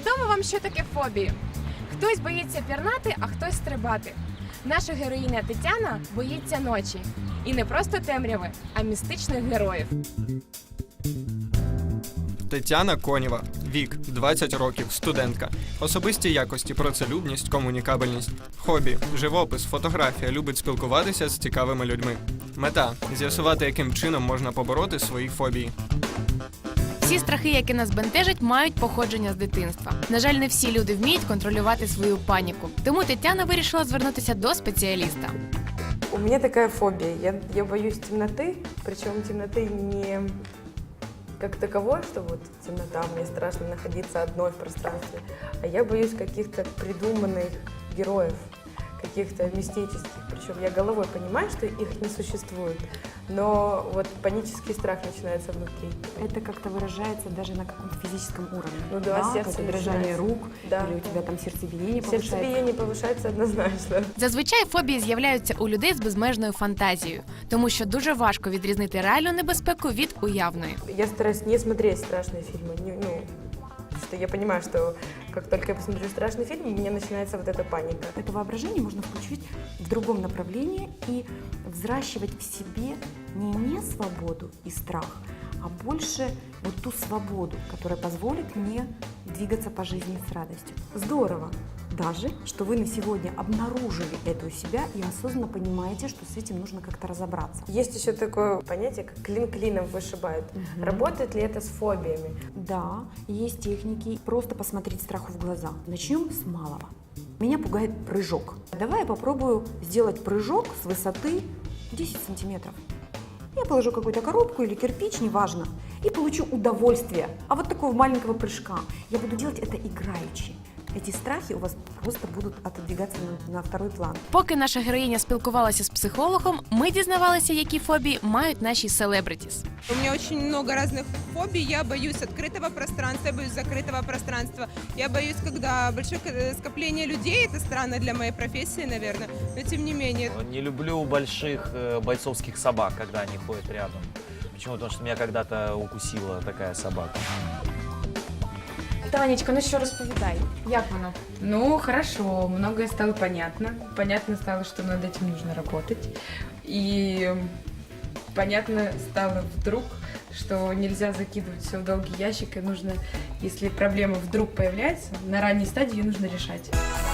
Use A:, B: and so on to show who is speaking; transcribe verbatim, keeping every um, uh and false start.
A: Відомо вам, що таке фобії? Хтось боїться пірнати, а хтось стрибати. Наша героїня Тетяна боїться ночі. І не просто темряви, а містичних героїв.
B: Тетяна Конєва. Вік – двадцять років, студентка. Особисті якості – працелюбність, комунікабельність. Хобі – живопис, фотографія, любить спілкуватися з цікавими людьми. Мета – з'ясувати, яким чином можна побороти свої фобії.
A: Всі страхи, які нас бентежать, мають походження з дитинства. На жаль, не всі люди вміють контролювати свою паніку. Тому Тетяна вирішила звернутися до спеціаліста.
C: У меня такая фобия. Я, я боюсь темноты, причем темноты не как таковой, что вот темнота, мне страшно находиться одной в пространстве, а я боюсь каких-то придуманных героев, каких-то мистических. Причем я головой понимаю, что их не существует, но вот панический страх начинается внутри.
D: Это как-то выражается даже на каком-то физическом уровне.
C: Ну да, сердце
D: какое-то дрожание
C: начинается.
D: рук,
C: Да.
D: или у тебя там сердцебиение повышается.
C: Сердцебиение повышается однозначно.
A: Зазвичай фобії з'являються у людей з безмежною фантазією, тому що дуже важко відрізнити реальну небезпеку від уявної.
C: Я стараюсь не смотреть страшные фильмы. Не, ну, что я понимаю, что как только я посмотрю страшный фильм, у меня начинается вот эта паника.
D: Это воображение можно включить в другом направлении и взращивать в себе не не свободу и страх, а больше вот ту свободу, которая позволит мне двигаться по жизни с радостью. Здорово даже, что вы на сегодня обнаружили это у себя и осознанно понимаете, что с этим нужно как-то разобраться.
C: Есть еще такое понятие, как клин клином вышибают.
D: Мгм.
C: Работает ли это с фобиями?
D: Да, есть техники. Просто посмотреть страху в глаза. Начнем с малого. Меня пугает прыжок. Давай я попробую сделать прыжок с высоты десять сантиметров. Я положу какую-то коробку или кирпич, неважно, и получу удовольствие. А вот такого маленького прыжка. Я буду делать это играючи. Эти страхи у вас просто будут отодвигаться на, на второй план.
A: Поки наша героїня спілкувалася з психологом, ми дізнавалися, які фобії мають наші селебритіс.
E: У меня очень много разных фобий. Я боюсь открытого пространства, я боюсь закрытого пространства. Я боюсь, когда большое ко- скопление людей. Это странно для моей профессии, наверное. Но тем не менее.
F: Не люблю больших э, бойцовских собак, когда они ходят рядом. Почему? Потому что меня когда-то укусила такая собака.
A: Танечка, ну що розповідай? Як воно?
G: Ну, хорошо, многое стало понятно. Понятно стало, что над этим нужно работать. И понятно стало вдруг, что нельзя закидывать все в долгий ящик, и нужно, если проблема вдруг появляется, на ранней стадии ее нужно решать.